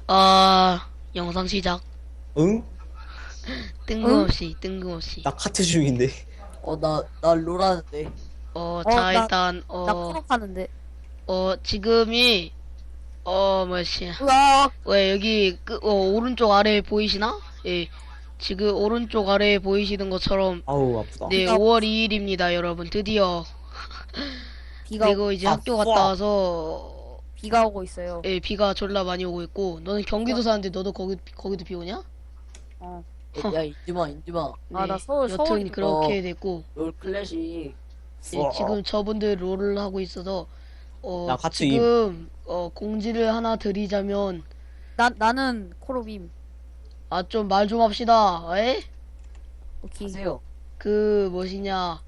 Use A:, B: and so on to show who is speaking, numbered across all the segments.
A: 영상 시작.
B: 응?
A: 뜬금없이.
B: 나 카트 중인데.
C: 나 롤하는데.
A: 자,
D: 나
A: 일단,
D: 코록하는데.
A: 지금이, 뭐지.
D: 으악!
A: 왜, 여기, 오른쪽 아래 보이시나? 예. 지금 오른쪽 아래 보이시는 것처럼,
B: 아우 아프다.
A: 네,
D: 비가
A: 5월 2일입니다, 여러분. 드디어.
D: 비가,
A: 그리고 이제 학교 갔다 와서,
D: 비가 오고 있어요.
A: 예, 비가 졸라 많이 오고 있고, 너는 경기도 사는데 너도 거기도 비 오냐?
D: 어.
C: 야, 인지마.
D: 아, 나 서울,
A: 여튼
D: 서울이니까.
A: 그렇게 됐고,
C: 롤 클래식.
A: 예, 지금 저분들 롤을 하고 있어서
B: 나 같이
A: 지금 공지를 하나 드리자면
D: 나는 코로빔.
A: 좀 말 좀 합시다. 에?
D: 오케이.
C: 하세요.
A: 그 뭐시냐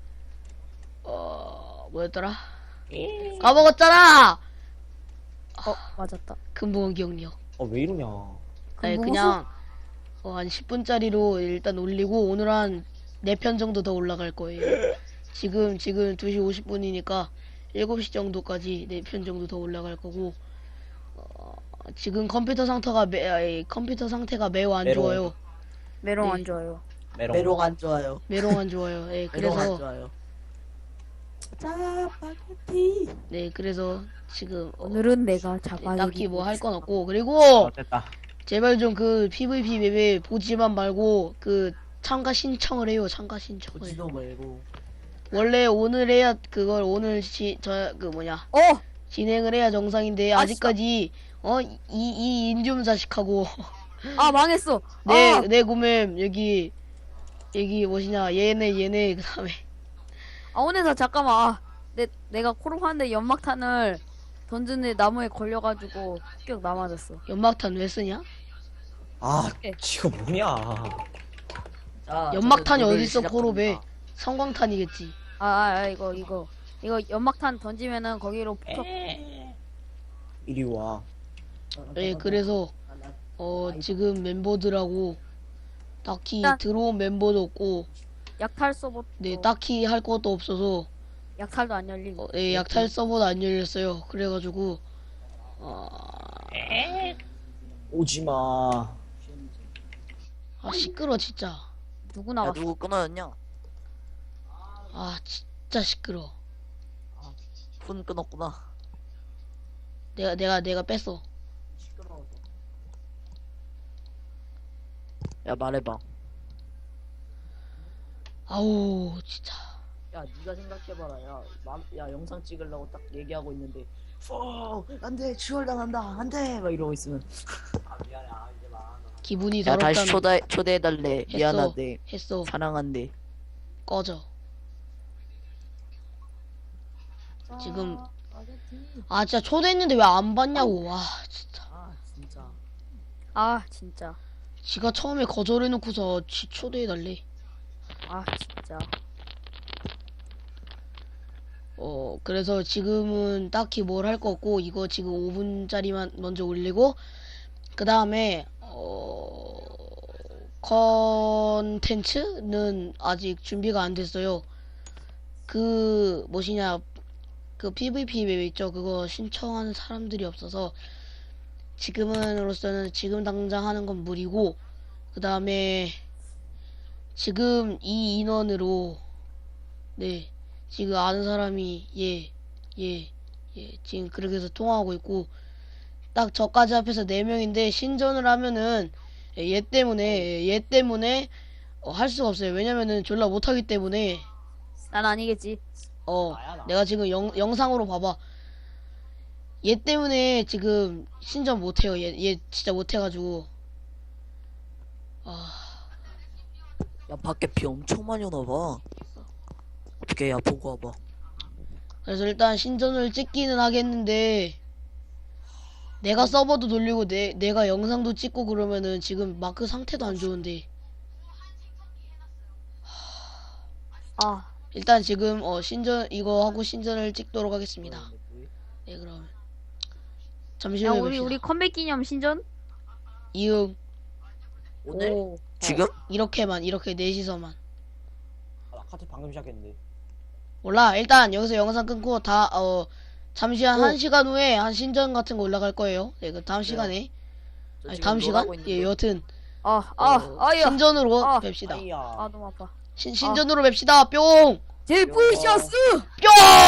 A: 뭐였더라? 까먹었잖아.
D: 맞았다.
A: 금붕어 기억력.
B: 왜 이러냐.
A: 네,
D: 금붕어
A: 그냥 한 10분짜리로 일단 올리고 오늘 한 4편 정도 더 올라갈 거예요. 지금 2시 50분이니까 7시 정도까지 4편 정도 더 올라갈 거고 지금 컴퓨터 상태가 매우 안
B: 메롱.
A: 좋아요.
D: 메롱
A: 네.
D: 안 좋아요.
C: 메롱 안 좋아요.
A: 메롱 안 좋아요. 예,
C: 메롱 안
A: 그래서
C: 좋아요. 짜파게티.
A: 네, 그래서 지금
D: 오늘은 내가 자바리.
A: 딱히 뭐 할 건 없고 그리고
B: 됐다.
A: 제발 좀 그 PVP 맵에 보지만 말고 그 참가 신청을 해요. 참가 신청을.
C: 보지도 말고.
A: 원래 오늘 해야 그걸 오늘 진행을 해야 정상인데 아직까지 이 인좀 자식하고
D: 망했어.
A: 내 구매 여기 뭐시냐 얘네 그다음에
D: 오늘서 잠깐만. 내가 코록 하는데 연막탄을 던지는데 나무에 걸려가지고 격 남아졌어.
A: 연막탄 왜 쓰냐?
D: 네.
B: 지가 뭐냐.
C: 자,
A: 연막탄이
C: 저는 롤을
A: 어딨어 코로베?
C: 시작합니다.
A: 성광탄이겠지.
D: 이거 연막탄 던지면은 거기로 폭격.
B: 이리 와.
A: 네, 그래서 지금 멤버들하고 딱히
D: 일단-
A: 들어온 멤버도 없고
D: 약탈 서버.
A: 네 딱히 할 것도 없어서
D: 약탈도 안 열린.
A: 네, 약탈 서버도 안 열렸어요. 그래가지고
B: 오지마.
A: 시끄러 진짜.
D: 누구
C: 야,
D: 나갔어?
C: 누구 끊어졌냐?
A: 진짜 시끄러.
C: 폰 끊었구나.
A: 내가 뺐어.
C: 시끄러워서. 야, 말해봐.
A: 아우 진짜.
C: 야, 네가 생각해봐라. 야, 영상 찍으려고 딱 얘기하고 있는데, 안돼, 추월당한다, 안돼, 막 이러고 있으면.
A: 기분이
C: 야, 다시
A: 더럽다면
C: 초대해달래. 미안한데,
A: 했어.
C: 사랑한대.
A: 꺼져. 지금 진짜 초대했는데 왜 안 받냐고. 와 진짜.
C: 진짜.
D: 진짜.
A: 지가 처음에 거절해놓고서 지 초대해달래.
D: 진짜.
A: 그래서 지금은 딱히 뭘 할 거 없고 이거 지금 5분짜리만 먼저 올리고 그 다음에 컨텐츠는 아직 준비가 안 됐어요. 그 뭐시냐 그 PVP 맵 있죠. 그거 신청하는 사람들이 없어서 지금으로서는 지금 당장 하는 건 무리고 그 다음에 지금 이 인원으로 네 지금 아는 사람이 지금 그렇게 해서 통화하고 있고 딱 저까지 합해서 4명인데 신전을 하면은 얘 때문에 할 수가 없어요. 왜냐면은 졸라 못하기 때문에
D: 난 아니겠지.
A: 내가 지금 영상으로 봐봐. 얘 때문에 지금 신전 못해요. 얘 진짜 못해가지고
C: 야, 밖에 비 엄청 많이 오나 봐. 어떻게, 야, 보고 와봐.
A: 그래서 일단 신전을 찍기는 하겠는데 내가 서버도 돌리고 내가 영상도 찍고 그러면은 지금 마크 상태도 안 좋은데 일단 지금 신전 이거 하고 신전을 찍도록 하겠습니다. 네 그럼 잠시만요.
D: 우리 컴백 기념 신전?
A: 이응
C: 오늘?
D: 오.
C: 지금?
A: 이렇게 넷이서만
B: 나 카트 방금 시작했는데.
A: 몰라. 일단 여기서 영상 끊고 잠시 한 1시간 후에 한 신전 같은 거 올라갈 거예요. 네, 그 다음 시간에
C: 저
A: 아니,
C: 지금
A: 다음 시간?
C: 놀아고 있는데.
A: 예, 여튼
D: 아야.
A: 신전으로
D: 아.
A: 뵙시다.
C: 아이야.
D: 아 너무 아파.
A: 신전으로 뵙시다. 뿅!
D: 제부셔스.
A: 뿅!